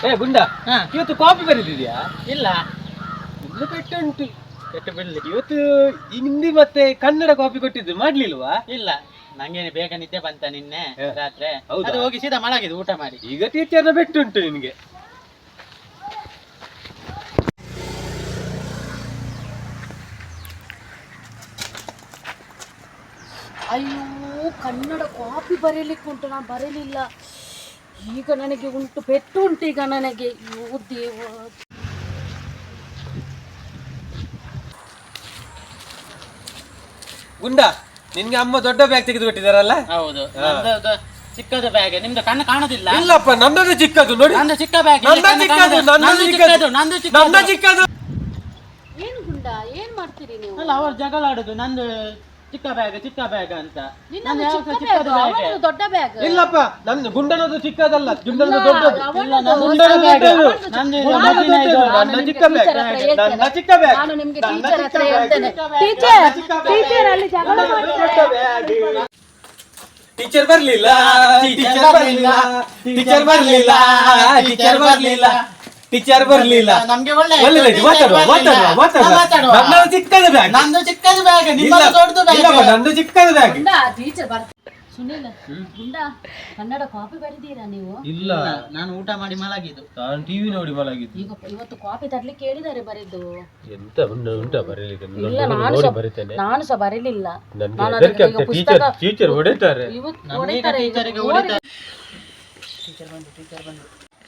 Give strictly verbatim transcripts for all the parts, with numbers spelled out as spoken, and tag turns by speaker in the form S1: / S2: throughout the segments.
S1: ಏ ಗುಂಡ, ಇವತ್ತು ಕಾಪಿ ಬರೆದಿದ್ಯಾ?
S2: ಇಲ್ಲ,
S1: ಇನ್ನು ಪೆಟ್ಟು ಉಂಟು. ಪೆಟ್ಟು ಬಿಡ್ಲಿ. ಇವತ್ತು ಹಿಂದಿ ಮತ್ತೆ ಕನ್ನಡ ಕಾಪಿ ಕೊಟ್ಟಿದ್ದು ಮಾಡ್ಲಿಲ್ವಾ?
S2: ಇಲ್ಲ, ನಂಗೇನೆ ಬೇಗ ನಿದ್ದೆ ಬಂತ ನಿನ್ನೆ ರಾತ್ರಿ.
S1: ಹೌದಾ?
S2: ಅದು ಹೋಗಿ ಸೀದಾ ಮಲಗಿದ್ದು ಊಟ ಮಾಡಿ.
S1: ಈಗ ಟೀಚರ್ನ ಪೆಟ್ಟು ಉಂಟು ನಿನ್ಗೆ.
S3: ಅಯ್ಯೋ, ಕನ್ನಡ ಕಾಪಿ ಬರೀಲಿಕ್ಕೆ ಉಂಟು, ನಾನು ಬರೀಲಿಲ್ಲ. ಈಗ ನನಗೆ ಉಂಟು, ಪೆಟ್ಟು ಉಂಟು ಈಗ ನನಗೆ. ಅಯ್ಯೋ ದೇವ.
S1: ಗುಂಡ, ನಿನ್ಗೆ ಅಮ್ಮ ದೊಡ್ಡ ಬ್ಯಾಗ್ ತೆಗೆದು ಕೊಟ್ಟಿದಾರಲ್ಲ?
S2: ಹೌದು, ನಂದು ಚಿಕ್ಕದು ಬ್ಯಾಗ್. ನಿಮ್ದು ಕಣ್ಣು ಕಾಣೋದಿಲ್ಲ?
S1: ಇಲ್ಲಪ್ಪ, ನನ್ನದು ಚಿಕ್ಕದು ನೋಡಿ.
S2: ನಂದು ಚಿಕ್ಕ ಬ್ಯಾಗ್.
S1: ನಂದು ಚಿಕ್ಕದು, ನಂದು ಚಿಕ್ಕದು, ನಂದು ಚಿಕ್ಕದು.
S3: ಏನು ಗುಂಡ, ಏನ್ ಮಾಡ್ತೀರಿ ನೀವು?
S2: ಅಲ್ಲ, ಅವ್ರು ಜಗಳ ಆಡುದು ನಂದು ಚಿಕ್ಕ ಬ್ಯಾಗ್ ಚಿಕ್ಕ ಬ್ಯಾಗ್ ಅಂತ.
S3: ನಿನ್ನದು ಚಿಕ್ಕ ಬ್ಯಾಗ್, ಅವನದು ದೊಡ್ಡ ಬ್ಯಾಗ್.
S1: ಇಲ್ಲಪ್ಪ, ನನ್ನ ಗುಂಡನದು ಚಿಕ್ಕದಲ್ಲ, ಗುಂಡನದು ದೊಡ್ಡದು.
S2: ಗುಂಡನ ಬ್ಯಾಗ್ ನಂದು ಇದು ಮೊದಲಿನ ಇದು.
S1: ನನ್ನ ಚಿಕ್ಕ ಬ್ಯಾಗ್, ನನ್ನ ಚಿಕ್ಕ ಬ್ಯಾಗ್.
S3: ನಾನು ನಿಮ್ಗೆ ಟೀಚರ್ ಹತ್ರ ಹೇಳ್ತೇನೆ. ಟೀಚರ್, ಟೀಚರ್ ಅಲ್ಲಿ ಜಗಳ ಮಾಡ್ತಾರೆ.
S1: ಟೀಚರ್ ಬರ್ಲಿಲ್ಲ, ಟೀಚರ್ ಬರ್ಲಿಲ್ಲ, ಟೀಚರ್ ಬರ್ಲಿಲ್ಲ, ಟೀಚರ್ ಬರ್ಲಿಲ್ಲ, ಟೀಚರ್ ಬರ್ಲಿಲ್ಲ.
S2: ನಮ್ಗೆ ಒಳ್ಳೆ
S1: ಒಳ್ಳೆ ಮಾತಾಡುವ ಮಾತಾಡುವ ಮಾತಾಡುವ. ನನ್ನದು ಚಿಕ್ಕದು ಬ್ಯಾಗ್.
S2: ನಂದು ಚಿಕ್ಕದು ಬ್ಯಾಗ್, ನಿಮ್ಮದು ದೊಡ್ಡದು ಬ್ಯಾಗ್.
S1: ನಂದು ಚಿಕ್ಕದು ಬ್ಯಾಗ್.
S3: ಗುಂಡ, ಟೀಚರ್ ಬರ್ತಾರೆ. ಸುನಿಲ್, ಗುಂಡ, ಕನ್ನಡ ಕಾಪಿ ಬರೆದೀರಾ ನೀವು?
S1: ಇಲ್ಲ,
S2: ನಾನು ಊಟ ಮಾಡಿ ಮಲಗಿದ್ದು.
S1: ನಾನು ಟಿವಿ ನೋಡಿ ಮಲಗಿದ್ದು.
S3: ಈಗ ಇವತ್ತು ಕಾಪಿ ತರ್ಲಿಕ್ಕೆ ಹೇಳಿದ್ದಾರೆ ಬರೆದು.
S1: ಎಂತ ಉಂಟ ಬರೀಲಿಕ್ಕೆ?
S3: ಇಲ್ಲ, ನಾನು ಸಹ ನಾನು ಸಹ ಬರೀಲಿಲ್ಲ.
S1: ಟೀಚರ್ ಹೊಡಿತಾರೆ.
S3: ಇವತ್ತು ಹೊಡಿತಾರೆ.
S2: ಟೀಚರಿಗೆ ಹೊಡಿತಾರೆ. ಟೀಚರ್ ಬಂದು ಟೀಚರ್ ಬಂದು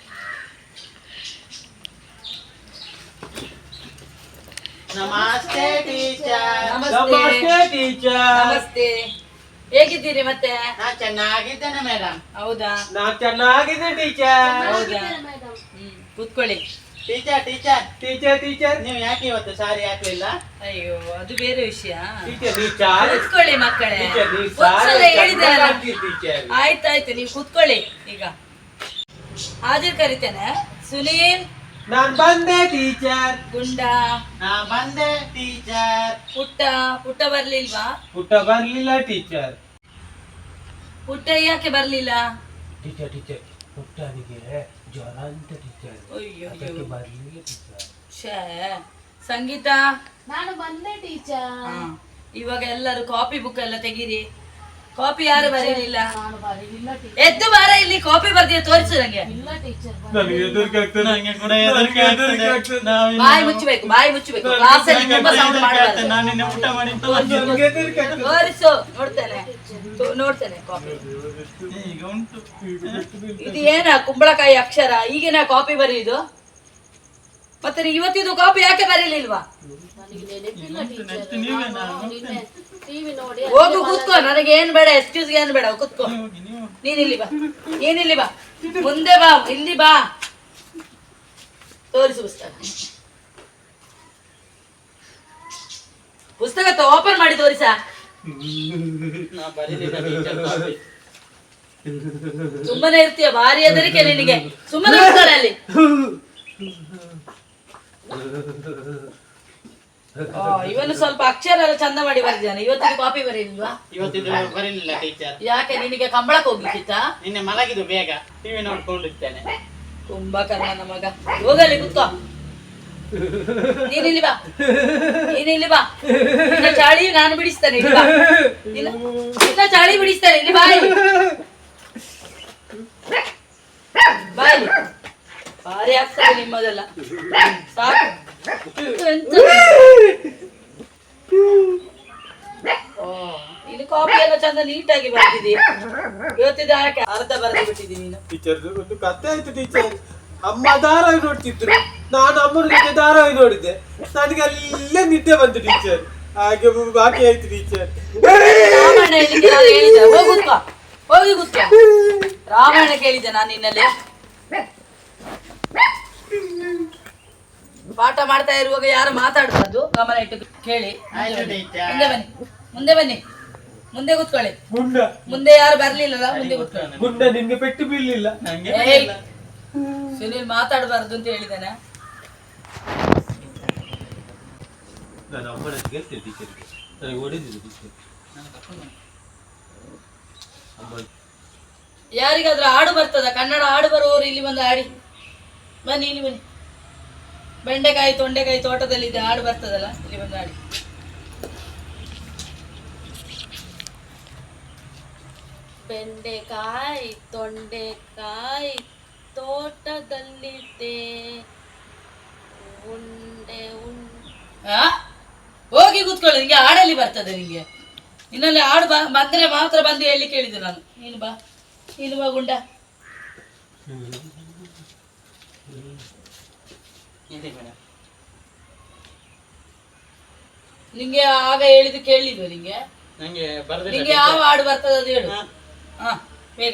S2: ನಮಸ್ತೆ ಟೀಚರ್.
S1: ನಮಸ್ತೆ ಟೀಚರ್.
S3: ನಮಸ್ತೆ. ಹೇಗಿದ್ದೀರಿ ಮತ್ತೆ?
S2: ನಾ ಚೆನ್ನಾಗಿದ್ದೇನೆ ಮೇಡಮ್.
S3: ಹೌದಾ?
S1: ನಾ ಚೆನ್ನಾಗಿದೆ ಟೀಚರ್.
S3: ಹೌದಾ?
S4: ಕೂತ್ಕೊಳ್ಳಿ.
S2: ಟೀಚರ್ ಟೀಚರ್
S1: ಟೀಚರ್ ಟೀಚರ್
S2: ನೀವು ಯಾಕೆ ಇವತ್ತು ಸಾರಿ ಹಾಕ್ಲಿಲ್ಲ?
S4: ಅಯ್ಯೋ, ಅದು ಬೇರೆ ವಿಷಯ.
S1: ಟೀಚರ್ ನೀವು ಸಾರಿ
S4: ಕೂತ್ಕೊಳ್ಳಿ ಮಕ್ಕಳೇ.
S1: ಟೀಚರ್ ನೀವು
S4: ಒಂದ್ಸಲ
S1: ಸಾರಿ
S4: ಹೇಳಿದ್ರಲ್ಲ.
S1: ಟೀಚರ್.
S4: ಆಯ್ತಾಯ್ತು, ನೀವು ಕೂತ್ಕೊಳ್ಳಿ. ಈಗ ಹಾಜರ್ ಕರಿತೇನೆ. ಸುನೀಲ್,
S1: ನಾನ್ ಬಂದೆ ಟೀಚರ್.
S4: ಗುಂಡ,
S2: ನಾ ಬಂದೆ ಟೀಚರ್.
S4: ಪುಟ್ಟ ಪುಟ್ಟ ಬರ್ಲಿಲ್ವಾ?
S1: ಪುಟ್ಟ ಬರ್ಲಿಲ್ಲ ಟೀಚರ್.
S4: ಪುಟ್ಟ ಯಾಕೆ ಬರ್ಲಿಲ್ಲ?
S1: ಟೀಚರ್ ಟೀಚರ್ ಪುಟ್ಟನಿಗೆ ಜ್ವರ ಅಂತ ಟೀಚರ್.
S4: ಅಯ್ಯೋ
S1: ಅದಕ್ಕೆ ಬರ್ಲಿಲ್ಲ ಟೀಚರ್.
S4: ಛೇ. ಸಂಗೀತ,
S3: ನಾನು ಬಂದೆ ಟೀಚರ್.
S4: ಹಾ, ಇವಾಗ ಎಲ್ಲರೂ ಕಾಪಿ ಬುಕ್ ಎಲ್ಲ ತೆಗೀರಿ. ಕಾಪಿ ಯಾರು ಬರೀಲಿಲ್ಲ?
S3: ನಾನು ಬರೀಲಿಲ್ಲ ಟೀಚರ್.
S4: ಎದ್ದು ಬಾರ ಇಲ್ಲಿ, ಕಾಪಿ ಬರ್ದಿಯ ತೋರಿಸು ನಂಗೆ.
S3: ಇಲ್ಲ ಟೀಚರ್.
S1: ನನಗೆ ಹೆದರಿಕೆ ಆಗ್ತದೆ.
S2: ನಂಗೆ ಕೂಡ ಹೆದರಿಕೆ ಆಗ್ತದೆ. ನಾವು
S4: ಬಾಯಿ ಮುಚ್ಚಬೇಕು, ಬಾಯಿ ಮುಚ್ಚಬೇಕು. ಕ್ಲಾಸಲ್ಲಿ ತುಂಬಾ ಸೌಂಡ್ ಮಾಡಬಾರ್ದು.
S2: ನಾನು ನಿನ್ನೆ ಊಟ ಮಾಡಿ
S1: ನನಗೆ ಹೆದರಿಕೆ ಆಗ್ತದೆ.
S4: ತೋರಿಸು, ನೋಡ್ತೇನೆ ತೋ- ನೋಡ್ತೇನೆ ಕಾಪಿ.
S2: ಈಗ ಉಂಟು.
S4: ಇದು ಏನ ಕುಂಬಳಕಾಯಿ ಅಕ್ಷರ? ಈಗಿನ ಕಾಪಿ ಬರೆಯುದು? ಮತ್ತೆ ನೀವು ಇವತ್ತಿದು ಕಾಪಿ ಯಾಕೆ ಬರೀಲಿಲ್ವಾ?
S3: ನನಗೆ ನೆನಪಿಲ್ಲ ಟೀಚರ್.
S2: ನೀವೇ
S3: ನಾನು ನಿನ್ನೆ ಟಿವಿ ನೋಡಿ
S4: ಹೋಗು ಕೂತ್ಕೋ. ನನಗೆ ಏನ್ ಬೇಡ, ಎಕ್ಸ್ಕ್ಯೂಸ್ ಏನ್ ಬೇಡ, ಕೂತ್ಕೋ. ನೀನ್ ಇಲ್ಲಿ ಬಾ, ನೀನ್ ಇಲ್ಲಿ ಬಾ, ಮುಂದೆ ಬಾ, ಇಲ್ಲಿ ಬಾ. ತೋರಿಸು ಪುಸ್ತಕ. ಪುಸ್ತಕ ಓಪನ್ ಮಾಡಿ ತೋರಿಸ.
S2: ನಾ ಬರೀಲಿಲ್ಲ ಟೀಚರ್ ಕಾಪಿ.
S4: ಸುಮ್ಮನೆ ಇರ್ತೀಯ, ಭಾರಿ ಹೆದರಿಕೆ ನಿನಗೆ. ಸುಮ್ಮನೆ ಕೂತ್ಕೊಳ್ಳ ಅಲ್ಲಿ. ಆ, ಇವನು ಸ್ವಲ್ಪ ಅಕ್ಷರ ಎಲ್ಲ ಚಂದ ಮಾಡಿ ಬರೆದಿದ್ದಾನೆ. ಇವತ್ತಿನ ಕಾಪಿ ಬರೀಲಿಲ್ವಾ?
S2: ಇವತ್ತಿದು ಬರೀಲಿಲ್ಲ ಟೀಚರ್.
S4: ಯಾಕೆ, ನಿನಗೆ ಕಂಬಳಕ್ಕೆ ಹೋಗ್ಲಿಕ್ಕಿತ್ತ?
S2: ನಿನ್ನೆ ಮಲಗಿದ್ದು ಬೇಗ, ಟಿವಿ ನೋಡ್ಕೊಂಡಿರ್ತೇನೆ.
S4: ಕುಂಭಕರ್ಣನ ಮಗ. ಹೋಗಲಿ ಕುತ್ಕೋ. ನೀನಿಲ್ಲಿ ಬಾ, ನೀನಿಲ್ಲಿ ಬಾ. ನಿನ್ನ ಚಾಳಿ ನಾನು ಬಿಡಿಸ್ತೇನೆ. ಇಲ್ಲಿ ಬಾ. ನಿನ್ನ ನಿನ್ನ ಚಾಳಿ ಬಿಡಿಸ್ತೇನೆ. ಇಲ್ಲಿ ಬಾಯಿ ಬಾಯಿ. ಭಾರಿ ಆಗ್ತದೆ ನಿಮ್ಮದೆಲ್ಲ. ಸಾಕು. ಎಂತ? ಓ, ಇಲ್ಲಿ ಕಾಪಿ ಎಲ್ಲ ಚಂದ ನೀಟಾಗಿ ಬರ್ತಿದಿ. ಇವತ್ತಿದ ಯಾಕೆ ಅರ್ಧ ಬರೆದು ಬಿಟ್ಟಿದ್ದೀನಿ ನೀನು?
S1: ಟೀಚರ್ ಒಂದು ಕತೆ ಆಯ್ತು ಟೀಚರ್. ಅಮ್ಮ ಧಾರಾವಾಹಿ ನೋಡ್ತಿದ್ರು, ನಾನು ಅಮ್ಮನ ಜೊತೆ ಧಾರಾವಾಹಿ ನೋಡಿದ್ದೆ. ನನಗೆ ಅಲ್ಲೇ ನಿದ್ದೆ ಬಂತು ಟೀಚರ್. ಹಾಗೆ ಬಾಕಿ ಆಯ್ತು ಟೀಚರ್.
S4: ರಾಮಾಯಣ ಹೇಳಿಕ್ಕೆ ನಾನು ಹೇಳಿದ್ದೆ. ಹೋಗಿ ಕೂತ್ಕೋ, ಹೋಗಿ ಕೂತ್ಕೋ. ರಾಮಾಯಣ ಕೇಳಿದ್ದೆ ನಾನು ನಿನ್ನಲ್ಲಿ. ಪಾಠ ಮಾಡ್ತಾ ಇರುವಾಗ ಯಾರು ಮಾತಾಡಬಾರ್ದು, ಗಮನ ಇಟ್ಟು ಕೇಳಿ.
S2: ಆಯ್ತು ಟೀಚರ್.
S4: ಮುಂದೆ ಬನ್ನಿ, ಮುಂದೆ ಬನ್ನಿ, ಮುಂದೆ ಕೂತ್ಕೊಳ್ಳಿ.
S1: ಗುಂಡ
S4: ಮುಂದೆ ಯಾರು ಬರ್ಲಿಲ್ಲಲ್ಲ, ಮುಂದೆ ಕೂತ್ಕೊಳ್ಳಿ.
S1: ಗುಂಡ ನಿನ್ಗೆ ಪೆಟ್ಟು ಬೀಳ್ಲಿಲ್ಲ?
S2: ನಂಗೆ
S4: ಏಯ್, ಸುನಿಲ್ ಮಾತಾಡಬಾರ್ದು ಅಂತ ಹೇಳಿದ್ದೇನೆ.
S1: ನಾನು ಅಮ್ಮನ ಹೇಳ್ತೇನೆ ಟೀಚರ್, ನನಗೆ ಹೊಡೆದಿದ್ದು ಟೀಚರ್.
S4: ಯಾರಿಗಾದ್ರೂ ಹಾಡು ಬರ್ತದ? ಕನ್ನಡ ಹಾಡು ಬರುವವರು ಇಲ್ಲಿ ಬಂದು ಹಾಡಿ. ಬನ್ನಿ ಇಲ್ಲಿ ಬನ್ನಿ. ಬೆಂಡೆಕಾಯಿ ತೊಂಡೆಕಾಯಿ ತೋಟದಲ್ಲಿ ಇದೆ, ಹಾಡು ಬರ್ತದಲ್ಲ, ಇಲ್ಲಿ ಬಂದು ಹಾಡಿ.
S3: ಬೆಂಡೆಕಾಯಿ ತೊಂಡೆಕಾಯಿ ತೋಟದಲ್ಲಿದೆ, ಉಂಡೆ ಉಂಡೆ.
S4: ಆ ಹೋಗಿ ಕೂತ್ಕೊಳ್ಳಿ, ನಿಂಗೆ ಹಾಡಲ್ಲಿ ಬರ್ತದೆ ನಿಂಗೆ. ಇನ್ನಲ್ಲಿ ಹಾಡು ಬ ಬಂದ್ರೆ ಮಾತ್ರ ಬಂದು ಹೇಳಿ ಕೇಳಿದ್ದು ನಾನು. ನೀನು ಬಾ, ನೀನು ಬಾ ಗುಂಡ. ನಿಂಗೆ ಆಗ ಹೇಳಿದ್ದು ಕೇಳಿದ್ವ ನಿಂಗೆ?
S2: ನಂಗೆ
S4: ನಿಂಗೆ ಯಾವ ಹಾಡು ಬರ್ತದೆ ಅದು ಹೇಳು. ಹಾ ಬೇಗ.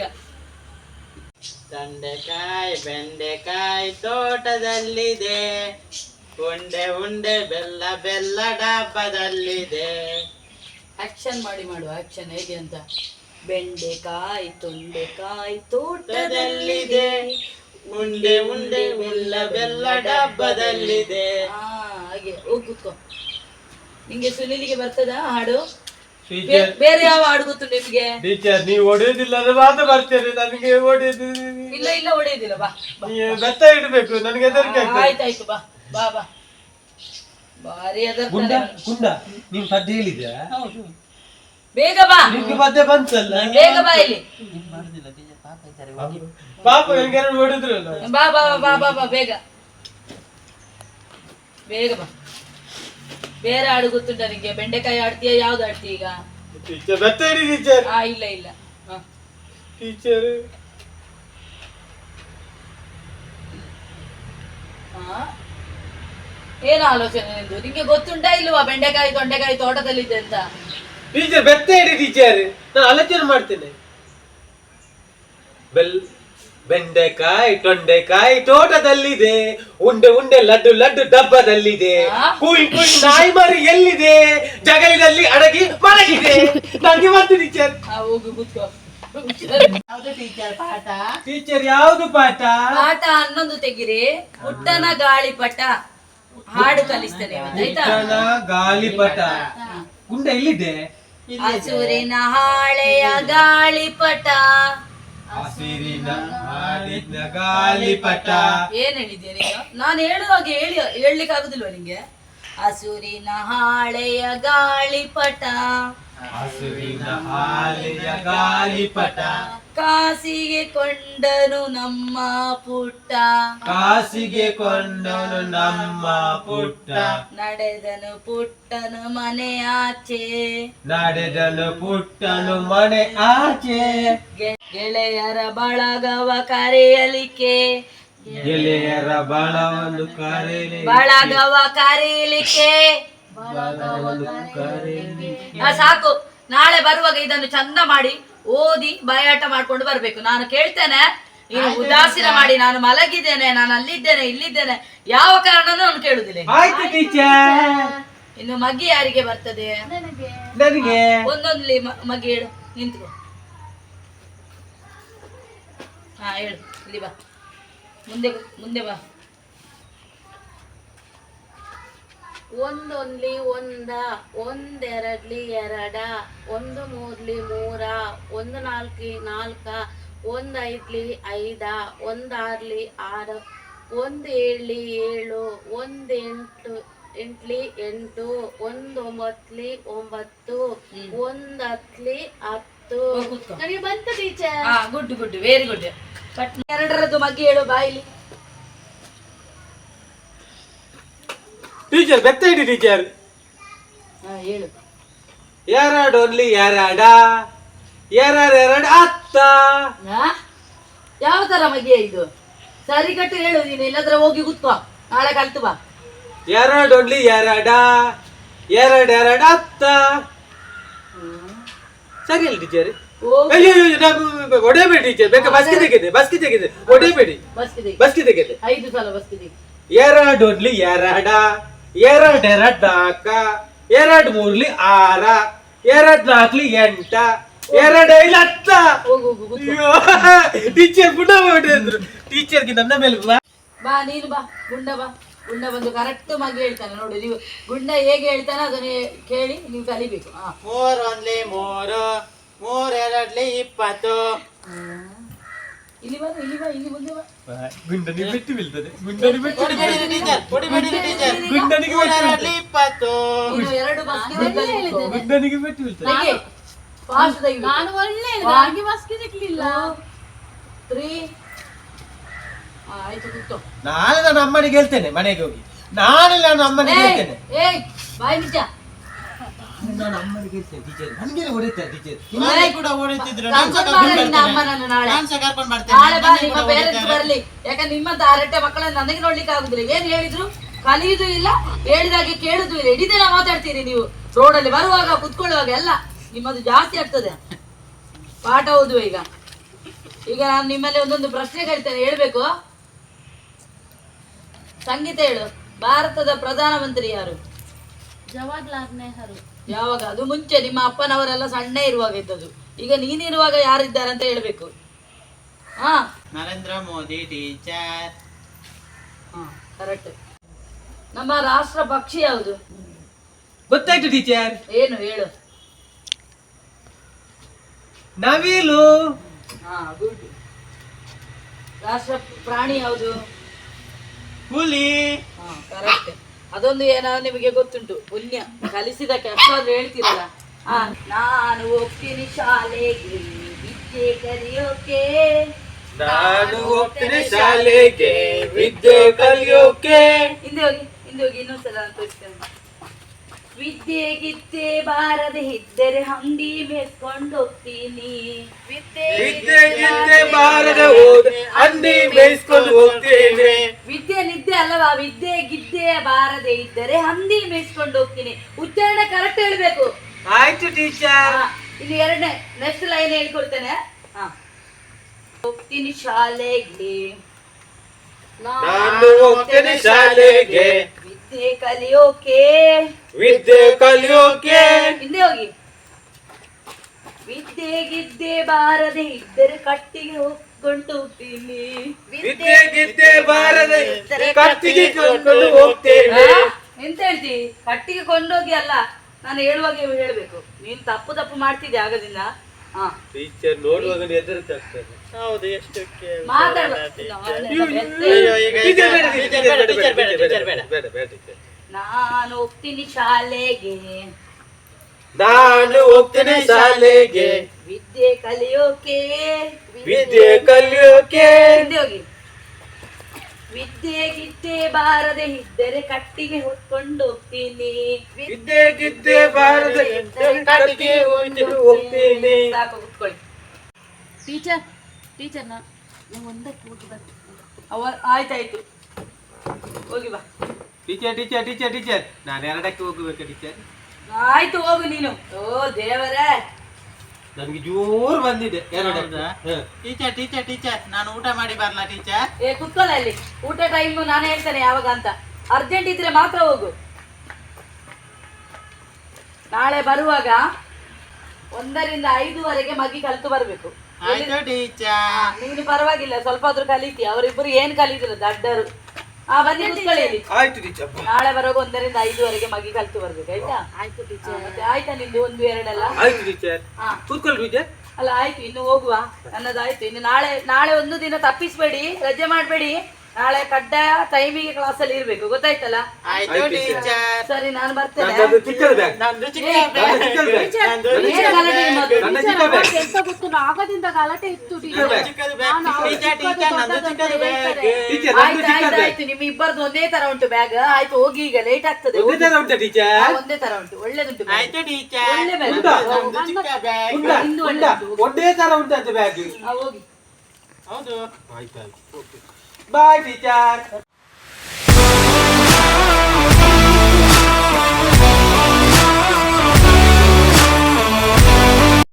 S2: ತೊಂಡೆಕಾಯಿ ಬೆಂಡೆಕಾಯಿ ತೋಟದಲ್ಲಿದೆ, ಉಂಡೆ ಉಂಡೆ ಬೆಲ್ಲ ಬೆಲ್ಲ ಡಬ್ಬದಲ್ಲಿದೆ.
S4: ಆಕ್ಷನ್ ಮಾಡಿ ಮಾಡುವ, ಆಕ್ಷನ್ ಹೇಗೆ ಅಂತ. ಬೆಂಡೆಕಾಯಿ ತೊಂಡೆಕಾಯಿ ತೋಟದಲ್ಲಿದೆ,
S2: ಉಂಡೆ ಉಂಡೆ ಬೆಲ್ಲ ಬೆಲ್ಲ ಡಬ್ಬದಲ್ಲಿದೆ.
S4: ಹಾ ಹಾಗೆ ಹೋಗಿ ಕೂತ್ಕೋ. ನಿಂಗೆ ಸುನಿಲಿಗೆ ಬರ್ತದ ಹಾಡು?
S1: ಟೀಚರ್
S4: ಬೇರೆ ಯಾವ ಹಾಡು ಗೊತ್ತು ನಿಮ್ಗೆ?
S1: ಟೀಚರ್ ನೀವು ಹೊಡೆಯೋದಿಲ್ಲ ಅಂದ್ರೆ ಮಾತ್ರ ಬರ್ತೇನೆ, ನನಗೆ ಹೊಡೆಯೋದು
S4: ಇಲ್ಲ ಇಲ್ಲ ಹೊಡೆಯುದಿಲ್ಲ. ಬಾ ಬಾ.
S1: ಬೆತ್ತ ಇಡಬೇಕು, ನನಗೆ ಹೆದರಿಕೆ ಆಗ್ತದೆ.
S4: ಆಯ್ತಾಯ್ತು ಬಾ ಬಾ ಬಾ. ಬಾರಿ
S1: ಗುಂಡ
S4: ಅದರ
S1: ಗುಂಡ ನೀನ್ ಪದ್ಯ ಹೇಳಿದ್ಯಾ?
S4: ಹೌದು. ಬೇಗ ಬಾ,
S1: ನಿಮ್ಗೆ ಪದ್ಯ ಬಂತಲ್ಲ,
S4: ಬೇಗ ಬಾ ಇಲ್ಲಿ.
S1: ಪಾಪ ನನಗೆ ಎರಡು ಹೊಡೆದ್ರಲ್ಲ.
S4: ಬಾ ಬಾ ಬಾ ಬಾ ಬಾ ಬೇಗ ಬೇಗ ಬಾ. ಬೇರೆ ಹಾಡು ಗೊತ್ತುಂಟ ನಿಂಗೆ? ಬೆಂಡೆಕಾಯಿ ಆಡ್ತೀಯ, ಯಾವ್ದು ಆಡ್ತೀಯ ಈಗ?
S1: ಟೀಚರ್ ಬೆತ್ತ ಇಡಿ ಟೀಚರ್.
S4: ಆ ಇಲ್ಲ ಇಲ್ಲ. ಹ
S1: ಟೀಚರ್
S4: ಹಾ ಏನು ಆಲೋಚನೆ ನಿಂದು? ನಿಂಗೆ ಗೊತ್ತುಂಟಾ ಇಲ್ವಾ ಬೆಂಡೆಕಾಯಿ ತೊಂಡೆಕಾಯಿ ತೋಟದಲ್ಲಿದೆ ಅಂತ?
S1: ಟೀಚರ್ ಬೆತ್ತ ಇಡಿ ಟೀಚರ್, ನಾನು ಆಲೋಚನೆ ಮಾಡ್ತೇನೆ. ಬೆಲ್ ಬೆಂಡೆಕಾಯಿ ತೊಂಡೆಕಾಯಿ ತೋಟದಲ್ಲಿದೆ, ಉಂಡೆ ಉಂಡೆ ಲಡ್ಡು ಲಡ್ಡು ಡಬ್ಬದಲ್ಲಿದೆ, ಕುಯ್ ಕುಯ್ ನಾಯಿ ಮರಿ ಎಲ್ಲಿದೆ, ಜಗಲಿನಲ್ಲಿ ಅಡಗಿ ಮಲಗಿದೆ. ನನಗೆ ಬಂತು ಟೀಚರ್.
S4: ಆ ಹೋಗು ಕೂತ್ಕೋ.
S2: ಯಾವ್ದು ಟೀಚರ್ ಪಾಠ?
S1: ಟೀಚರ್ ಯಾವುದು ಪಾಠ?
S4: ಪಾಠ ಹನ್ನೊಂದು ತೆಗಿರಿ. ಪುಟ್ಟನ ಗಾಳಿಪಟ ಹಾಡು ಕಲಿಸ್ತೇನೆ ಇವತ್ತು, ಆಯ್ತಾ?
S1: ಪುಟ್ಟನ ಗಾಳಿಪಟ. ಗುಂಡ ಎಲ್ಲಿದೆ?
S4: ಹಸುರಿನ ಹಾಳೆಯ ಗಾಳಿಪಟ.
S1: ಹಸಿರಿನ ಹಾಡಿನ ಗಾಳಿಪಟ.
S4: ಏನ್ ಹೇಳಿದ್ಯಾ ನೀನು? ನಾನು ಹೇಳುವಾಗ ಹೇಳಿ ಹೇಳ್ಲಿಕ್ಕೆ ಆಗುದಿಲ್ವಾ ನಿಂಗೆ? ಹಸುರಿನ ಹಾಳೆಯ ಗಾಳಿಪಟ,
S1: ಹಸುರಿನ ಹಾಲೆಯ ಗಾಳಿಪಟ.
S4: ಕಾಸಿಗೆ ಕೊಂಡನು ನಮ್ಮ ಪುಟ್ಟ,
S1: ಕಾಸಿಗೆ ಕೊಂಡನು ನಮ್ಮ ಪುಟ್ಟ,
S4: ನಡೆದನು ಪುಟ್ಟನು ಮನೆ ಆಚೆ,
S1: ನಡೆದನು ಪುಟ್ಟನು ಮನೆ ಆಚೆ.
S4: ಗೆ- ಗೆಳೆಯರ ಬಳಗವ ಕರೆಯಲಿಕ್ಕೆ,
S1: ಗೆಳೆಯರ ಬಳವನ್ನು ಕರೆಯಲಿ,
S4: ಬಳಗವ ಕರೆಯಲಿಕ್ಕೆ.
S1: ಬಳವನ್ನು ಕರೆಯಲಿ.
S4: ಆ, ಸಾಕು. ನಾಳೆ ಬರುವಾಗ ಇದನ್ನು ಚಂದ ಮಾಡಿ ಓದಿ ಬಾಯಾಟ ಮಾಡ್ಕೊಂಡು ಬರ್ಬೇಕು. ನಾನು ಕೇಳ್ತೇನೆ, ನೀನು ಉದಾಸೀನ ಮಾಡಿ ನಾನು ಮಲಗಿದ್ದೇನೆ, ನಾನು ಅಲ್ಲಿದ್ದೇನೆ ಇಲ್ಲಿದ್ದೇನೆ ಯಾವ ಕಾರಣನೂ ನಾನು ಕೇಳುದಿಲ್ಲ.
S1: ಆಯ್ತು ಟೀಚರ್.
S4: ಇನ್ನು ಮಗಿ ಯಾರಿಗೆ ಬರ್ತದೆ?
S1: ನನಗೆ
S4: ಒಂದೊಂದ್ಲಿ ಮ- ಮಗಿ ಹೇಳು, ನಿಂತ್ಕೋ. ಹಾ ಹೇಳು, ಇಲ್ಲಿ ಬಾ, ಮುಂದೆ ಮುಂದೆ ಬಾ.
S3: ಒಂದೊಂದ್ಲಿ ಒಂದ, ಒಂದೆರಡ್ಲಿ ಎರಡ, ಒಂದು ಮೂರ್ಲಿ ಮೂರ, ಒಂದು ನಾಲ್ಕಿ ನಾಲ್ಕ, ಒಂದ್ ಐದ್ಲಿ ಐದ, ಒಂದ್ ಆರ್ಲಿ ಆರು, ಒಂದ್ ಏಳ್ಲಿ ಏಳು, ಒಂದ್ ಎಂಟು ಎಂಟ್ಲಿ ಎಂಟು, ಒಂದ್ ಒಂಬತ್ಲಿ ಒಂಬತ್ತು, ಒಂದ್ ಹತ್ಲಿ ಹತ್ತು.
S4: ಹೋಗ್ ಕೂತ್ಕೋ.
S3: ನನಗೆ ಬಂತ ಟೀಚರ್.
S4: ಹಾ good good, very good. But ಎರಡರದ್ದು ಮಗಿ ಹೇಳು ಬಾಯಿಲಿ.
S1: ಟೀಚರ್ ಬೆತ್ತ ಇಡಿ ಟೀಚರ್.
S4: ಹಾ ಹೇಳು.
S1: ಎರಡು ಒನ್ಲಿ ಎರಡ, ಎರಡು ಎರಡು ಹತ್ತ.
S4: ಹಾ? ಯಾವ ತರ ಮಗಿಯ ಇದು? ಸರಿ ಕಟ್ಟು ಹೇಳು ನೀನು, ಇಲ್ಲದ್ರೆ ಹೋಗಿ ಕೂತ್ಕೋ, ನಾಳೆ ಕಲ್ತು ಬಾ.
S1: ಎರಡು ಒನ್ಲಿ ಎರಡ, ಎರಡು ಎರಡು ಹತ್ತ. ಸರಿ ಅಲ್ಲ ಟೀಚರ್?
S4: ಹೋಗು.
S1: ಅಯ್ಯೋ ಅಯ್ಯೋ, ನಾನು ಹೊಡೆಯಬೇಡಿ ಟೀಚರ್, ಬೇಕಾ ಬಸ್ಗೆ ತೆಗೆದೆ, ಬಸ್ಗೆ ತೆಗೆದೆ, ಹೊಡೆಯಬೇಡಿ,
S4: ಬಸ್ಕಿದೆ
S1: ಬಸ್ಗೆ ತೆಗೆದೆ.
S4: ಐದು ಸಲ ಬಸ್ಕಿದೆ.
S1: ಎರಡು ಒನ್ಲಿ ಎರಡ, ಎರಡು ಎರಡು ನಾಲ್ಕ, ಎರಡು ಮೂರ್ಲಿ ಆರ, ಎರಡು ನಾಲ್ಕಲಿ ಎಂಟ, ಎರಡು ಐದು ಹತ್ತ.
S4: ಹೋಗು ಹೋಗು ಕೂತ್ಕೋ.
S1: ಅಯ್ಯೋ ಟೀಚರ್ ಪುನಃ ಹೊಡೆದ್ರು. ಟೀಚರ್ಗೆ ನನ್ನ ಮೇಲೆ ಬಾ.
S4: ಬಾ ನೀನು ಬಾ, ಗುಂಡ ಬಾ. ಗುಂಡ ಬಂದು ಕರೆಕ್ಟ್ ಮಗಿ ಹೇಳ್ತಾನೆ ನೋಡು. ನೀವು ಗುಂಡ ಹೇಗೆ ಹೇಳ್ತಾನೆ ಅದನ್ನ ಕೇಳಿ ನೀವು ಕಲಿಬೇಕು. ಹಾ
S2: ಮೂರ್ ಒಂದ್ಲಿ ಮೂರು, ಮೂರ್ ಎರಡ್ಲಿ ಇಪ್ಪತ್ತು.
S4: ಇಲ್ಲಿ ಬಾ ಇಲ್ಲಿ ಬಾ ಇಲ್ಲಿ ಮುಂದೆ ಬಾ.
S1: ಗುಂಡನಿಗೆ ಬೆಟ್ಟು ಬೀಳ್ತದೆ ಗುಂಡನಿಗೆ ಬೆಟ್ಟು
S2: ಹೊಡಿಬೇಡಿರಿ ಟೀಚರ್ ಹೊಡಿಬೇಡಿರಿ ಟೀಚರ್
S1: ಗುಂಡನಿಗೆ ಬೆಟ್ಟು ಬೀಳ್ತದೆ.
S2: ಇಪ್ಪತ್ತು
S4: ಇನ್ನು ಎರಡು ಬಸ್ಗೆ
S3: ಒಳ್ಳೆ
S4: ಹೋಗ್ಬೇಕು.
S3: ಹೇಳಿದೆ.
S1: ಗುಂಡನಿಗೆ ಬೆಟ್ಟು ಬೀಳ್ತದೆ.
S4: ತೆಗಿ. Fast ತೆಗಿಬೇಕು.
S3: ನಾನು ಒಳ್ಳೆ ಹೇಳಿದೆ,
S4: One,
S3: ಹಾಗೆ ಬಸ್ಗೆ ಸಿಗ್ಲಿಲ್ಲ.
S4: Three. ಆ, ಆಯ್ತು ಕೂತ್ಕೋ.
S1: ನಾಳೆ ನಾನು ಅಮ್ಮನಿಗೆ ಹೇಳ್ತೇನೆ ಮನೆಗೆ ಹೋಗಿ. ನಾಳೆ ನಾನು ಅಮ್ಮನಿಗೆ
S4: ಏಯ್,
S1: ಹೇಳ್ತೇನೆ.
S4: ಏಯ್, ಬಾಯ್ ನಿಜ.
S1: ನಾನು ಅಮ್ಮನಿಗೆ ಹೇಳ್ತೇನೆ ಟೀಚರ್. ನನಗೆ ಹೊಡಿತಾರೆ ಟೀಚರ್.
S2: ನಾಳೆ ಕೂಡ ಓಡಿತಿದ್ರು ನಾನು ಸಹ
S4: ಕರ್ಕೊಂಡ್
S2: ಕರ್ಕೊಂಡು
S4: ಬಾ ನಿನ್ನ
S2: ಬರ್ತೇನೆ
S4: ಅಮ್ಮನನ್ನು ನಾಳೆ.
S2: ನಾನು ಸಹ ಕರ್ಕೊಂಡು ಬರ್ತೇನೆ
S4: ನಾಳೆ ಬಾ,
S2: ನನಗೆ
S4: ನಿಮ್ಮ
S2: ಕೂಡ
S4: ಪೇರೆಂಟ್ಸ್
S2: ಹೊಡಿತಾರೆ.
S4: ಬರ್ಲಿ. ಯಾಕಂದ್ರೆ ನಿಮ್ಮಂತ ಅರಟೆ ಮಕ್ಕಳನ್ನ ನನಗೆ ನೋಡ್ಲಿಕ್ಕೆ ಆಗುದಿಲ್ಲ. ಏನ್ ಹೇಳಿದ್ರು ಕಲಿಯುದು ಇಲ್ಲ, ಹೇಳಿದಾಗೆ ಕೇಳುದು ಇಲ್ಲ. ಇಡೀ ದಿನ ಮಾತಾಡ್ತೀರಿ ನೀವು. ರೋಡಲ್ಲಿ ಬರುವಾಗ ಕುತ್ಕೊಳ್ಳುವಾಗ ಎಲ್ಲ ನಿಮ್ಮದು ಜಾಸ್ತಿ ಆಗ್ತದೆ. ಪಾಠ ಓದುವ ಈಗ. ಈಗ ನಾನು ನಿಮ್ಮಲ್ಲಿ ಒಂದೊಂದು ಪ್ರಶ್ನೆ ಕೇಳ್ತೇನೆ, ಹೇಳ್ಬೇಕು. ಸಂಗೀತ ಹೇಳು. ಭಾರತದ ಪ್ರಧಾನಮಂತ್ರಿ ಯಾರು?
S3: ಜವಾಹರ್ಲಾಲ್ ನೆಹರು.
S4: ಯಾವಾಗ? ಅದು ಮುಂಚೆ ನಿಮ್ಮ ಅಪ್ಪನವರೆಲ್ಲ ಸಣ್ಣ ಇರುವಾಗ ಇದ್ದದ್ದು. ಈಗ ನೀನಿರುವಾಗ ಯಾರಿದ್ದಾರೆ ಅಂತ ಹೇಳ್ಬೇಕು. ಹಾ
S2: ನರೇಂದ್ರ ಮೋದಿ ಟೀಚರ್.
S4: ಕರೆಕ್ಟ್. ನಮ್ಮ ರಾಷ್ಟ್ರ ಪಕ್ಷಿ ಯಾವುದು?
S1: ಗೊತ್ತಾಯ್ತು ಟೀಚರ್.
S4: ಏನು ಹೇಳು.
S1: ನವಿಲು.
S4: ಹಾ ಗುಡ್. ರಾಷ್ಟ್ರ ಪ್ರಾಣಿ ಯಾವುದು?
S2: ಹುಲಿ.
S4: ಹಾ ಕರೆಕ್ಟ್. ಅದೊಂದು ಏನೋ ನಿಮಗೆ ಗೊತ್ತುಂಟು, ಪುಣ್ಯ ಕಲಿಸಿದಕ್ಕೆ ಅಷ್ಟಾದ್ರೂ ಹೇಳ್ತೀರಲ್ಲ. ಹಾ ನಾನು ಹೋಗ್ತೀನಿ ಶಾಲೆಗೆ ವಿದ್ಯೆ ಕಲಿಯೋಕೆ.
S1: ನಾನು ಹೋಗ್ತೇನೆ ಶಾಲೆಗೆ ವಿದ್ಯೆ ಕಲಿಯೋಕೆ.
S4: ಹಿಂದೆ ಹೋಗಿ ಹಿಂದೆ ಹೋಗಿ ಇನ್ನೊಂದ್ಸಲ ನಾನು ತೋರಿಸ್ತೇನೆ. ವಿದ್ಯೆ ಗಿದ್ದೆ ಬಾರದೆ ಇದ್ದರೆ ಹಂದಿ ಮೇಸ್ಕೊಂಡು ಹೋಗ್ತೀನಿ.
S1: ವಿದ್ಯೆ ಗಿದ್ದೆ ಬಾರದೆ ಹೋದ ಹಂದಿ ಮೇಯಿಸ್ಕೊಂಡು ಹೋಗ್ತೇನೆ.
S4: ವಿದ್ಯೆ ನಿದ್ದೆ ಅಲ್ಲವಾ? ವಿದ್ಯೆ ಗಿದ್ದೆ ಬಾರದೆ ಇದ್ದರೆ ಹಂದಿ ಮೇಯಿಸ್ಕೊಂಡು ಹೋಗ್ತೀನಿ. ಉಚ್ಚಾರಣೆ ಕರೆಕ್ಟ್ ಹೇಳ್ಬೇಕು.
S1: ಆಯ್ತು ಟೀಚರ್.
S4: ಹಾ, ಇಲ್ಲಿ ಎರಡನೇ ನೆಕ್ಸ್ಟ್ ಲೈನ್ ಹೇಳ್ಕೊಡ್ತೇನೆ. ಹಾ ಹೋಗ್ತೀನಿ ಶಾಲೆಗೆ
S1: ನಾನು ಹೋಗ್ತೇನೆ ಶಾಲೆಗೆ
S4: ವಿದ್ಯೆ ಕಲಿಯೋಕೆ.
S1: ವಿದ್ಯೆ ಕಲಿಯೋಕೆ.
S4: ಹಿಂದೆ ಹೋಗಿ. ವಿದ್ಯೆ ಗಿದ್ದೆ ಬಾರದೆ ಇದ್ದರೆ ಕಟ್ಟಿಗೆ ಹೋಗ್ಕೊಂಡು ಹೋಗ್ತೀನಿ.
S1: ವಿದ್ಯೆ ಗಿದ್ದೆ ಬಾರದೆ ಕತ್ತಿಗೆ ಕರ್ಕೊಂಡು ಹೋಗ್ತೇನೆ.
S4: ಆ? ಎಂತ ಹೇಳ್ತಿ? ಕಟ್ಟಿಗೆ ಕೊಂಡೋಗಿ ಅಲ್ಲ, ನಾನು ಹೇಳುವಾಗ ಹೇಳ್ಬೇಕು. ನೀನ್ ತಪ್ಪು ತಪ್ಪು ಮಾಡ್ತಿದ್ದೆ ಆಗದಿಂದ. ಹಾ
S1: ಟೀಚರ್ ನೋಡುವಾಗ ಹೆದರ್ತಾಗ್ತದೆ.
S2: ಹೌದು ಎಷ್ಟಕ್ಕೆ
S4: ಮಾತಾಡ.
S2: ಅಯ್ಯೋ ಈಗ
S1: ಟೀಚರ್ ಬೇಡ,
S2: ಟೀಚರ್
S1: ಟೀಚರ್
S2: ಬೇಡ,
S1: ಬೇಡ,
S2: ಟೀಚರ್ ಬೇಡ,
S1: ಟೀಚರ್
S2: ಟೀಚರ್
S1: ಬೇಡ,
S2: ಬೇಡ.
S1: ಬೇಡ, ಬೇಡ ಟೀಚರ್.
S4: ನಾನು ಹೋಗ್ತೀನಿ ಶಾಲೆಗೆ
S1: ನಾನು ಹೋಗ್ತೇನೆ ಶಾಲೆಗೆ
S4: ವಿದ್ಯೆ ಕಲಿಯೋಕೆ.
S1: ವಿದ್ಯೆ ಕಲಿಯೋಕೆ.
S4: ಹಿಂದೆ ಹೋಗಿ. ವಿದ್ಯೆ ಗಿದ್ದೆ ಬಾರದೆ ಇದ್ದರೆ ಕಟ್ಟಿಗೆ ಹೊತ್ಕೊಂಡು ಹೋಗ್ತೀನಿ.
S1: ವಿದ್ಯೆ ಗಿದ್ದೆ ಬಾರದೆ ಕಟ್ಟಿಗೆ ಹೊತ್ಕೊಂಡು ಹೋಗ್ತೇನೆ.
S4: ಸಾಕು ಕುತ್ಕೊಳ್ಳಿ.
S3: ಟೀಚರ್ ಟೀಚರ್ ನಾ ನಾವು ಒಂದಕ್ಕೆ ಹೋಗಿ ಬರ್ತೀನಿ.
S4: ಅವ ಆಯ್ತಾಯ್ತು ಹೋಗಿ ಬಾ.
S1: ಟೀಚರ್ ಟೀಚರ್ ಟೀಚರ್ ಟೀಚರ್ ನಾನು ಎರಡಕ್ಕೆ ಹೋಗ್ಬೇಕು ಟೀಚರ್.
S4: ಆಯ್ತು ಹೋಗು ನೀನು. ಓ ದೇವರೇ,
S1: ನನ್ಗೆ ಜೋರು ಬಂದಿದೆ ಎರಡು.
S2: ಹೌದಾ? ಟೀಚರ್ ಟೀಚರ್ ಟೀಚರ್ ನಾನು ಊಟ ಮಾಡಿ ಬರ್ಲಾ ಟೀಚರ್?
S4: ಏ ಕುತ್ಕೊಳ್ಳ ಅಲ್ಲಿ. ಊಟ ಟೈಮ್ ನಾನು ಹೇಳ್ತೇನೆ ಯಾವಾಗ ಅಂತ. ಅರ್ಜೆಂಟ್ ಇದ್ರೆ ಮಾತ್ರ ಹೋಗು. ನಾಳೆ ಬರುವಾಗ ಒಂದರಿಂದ ಐದುವರೆಗೆ ಮಗಿ ಕಲಿತು ಬರ್ಬೇಕು.
S2: ಆಯ್ತು ಟೀಚರ್.
S4: ನೀನು ಪರವಾಗಿಲ್ಲ, ಸ್ವಲ್ಪ ಆದ್ರೂ ಕಲಿತಿ. ಅವರಿಬ್ಬರು ಏನ್ ಕಲಿತಿಲ್ಲ ದಡ್ಡರು. ಆ ಬನ್ನಿ ಕುತ್ಕೊಳ್ಳಿ ಇಲ್ಲಿ.
S1: ಆಯ್ತು ಟೀಚರ್.
S4: ನಾಳೆ ಬರುವಾಗ ಒಂದರಿಂದ ಐದುವರೆಗೆ ಮಗಿ ಕಲಿತು ಬರ್ಬೇಕು ಆಯ್ತಾ?
S3: ಆಯ್ತು
S4: ಹಾ,
S3: ಟೀಚರ್.
S4: ಮತ್ತೆ ಆಯ್ತಾ ನಿಂದು ಒಂದು ಎರಡೆಲ್ಲ?
S1: ಆಯ್ತು ಟೀಚರ್.
S4: ಹಾ
S1: ಕೂತ್ಕೊಳ್ಳಿ ಟೀಚರ್.
S4: ಅಲ್ಲ ಆಯ್ತು, ಇನ್ನು ಹೋಗುವ. ನನ್ನದಾಯ್ತು. ಇನ್ನು ನಾಳೆ ನಾಳೆ ಒಂದು ದಿನ ತಪ್ಪಿಸ್ಬೇಡಿ, ರಜೆ ಮಾಡ್ಬೇಡಿ. ನಾಳೆ ಕಡ್ಡಾಯ ಟೈಮಿಗೆ ಕ್ಲಾಸಲ್ಲಿ ಇರ್ಬೇಕು, ಗೊತ್ತಾಯ್ತಲ್ಲ?
S2: ಆಯ್ತು ಟೀಚರ್.
S4: ಸರಿ ನಾನು ಬರ್ತೇನೆ.
S1: ನನ್ನದು ಚಿಕ್ಕದ ಬ್ಯಾಗ್.
S2: ನಂದು ಚಿಕ್ಕ
S4: ಏ,
S2: ಬ್ಯಾಗ್.
S1: ಚಿಕ್ಕದ ಬ್ಯಾಗ್.
S2: ನಂದು
S4: ಏನ್
S2: ಚಿಕ್ಕ
S4: ಗಲಾಟೆ
S2: ಬ್ಯಾಗ್.
S4: ನಿಮ್ಮದು?
S1: ನನ್ನ
S3: ಟೀಚರ್,
S1: ಚಿಕ್ಕ ಬ್ಯಾಗ್.
S3: ಅವತ್ತು ಎಂತ ಗೊತ್ತು, ಆಗದಿಂದ ಗಲಾಟೆ ಇತ್ತು ಟೀಚರ್.
S2: ನಂದು ಚಿಕ್ಕದು ಬ್ಯಾಗ್.
S3: ನಾನು ಅವ್ರು
S2: ಟೀಚರ್
S3: ಚಿಕ್ಕದು
S2: ಟೀಚರ್ ನಂದು
S3: ದೊಡ್ಡದು
S2: ಚಿಕ್ಕದು
S3: ಅಂತ
S2: ಬ್ಯಾಗ್.
S3: ಹೇಳ್ತಾರೆ.
S1: ಟೀಚರ್ ನಂದು
S4: ಆಯ್ತು
S1: ಚಿಕ್ಕದ
S4: ಆಯ್ತು
S1: ಬ್ಯಾಗ್.
S4: ಆಯ್ತು, ನಿಮ್ಮ ಇಬ್ಬರದು ಒಂದೇ ತರ ಉಂಟು ಬ್ಯಾಗ್. ಆಯ್ತು ಹೋಗಿ, ಈಗ ಲೇಟ್ ಆಗ್ತದೆ.
S1: ಒಂದೇ ತರ ಉಂಟಾ
S4: ಆ,
S1: ಟೀಚರ್?
S4: ಒಂದೇ ತರ ಉಂಟು, ಒಳ್ಳೇದುಂಟು bag.
S2: ಆಯ್ತು ಟೀಚರ್.
S4: ಒಳ್ಳೆ ಬ್ಯಾಗ್.
S1: ಉಂಟಾ?
S2: ನಂದು ಚಿಕ್ಕ ಬ್ಯಾಗ್.
S1: ಉಂಟಾ
S4: ಇಂದು
S1: ಉಂಟಾ
S4: ಒಳ್ಳೆದು.
S1: ಒಂದೇ ತರ ಉಂಟಂತೆ ಬ್ಯಾಗ್.
S4: ಆ, ಹೋಗಿ.
S2: ಹೌದು.
S1: ಆಯ್ತು ಆಯ್ತು. Bye teacher.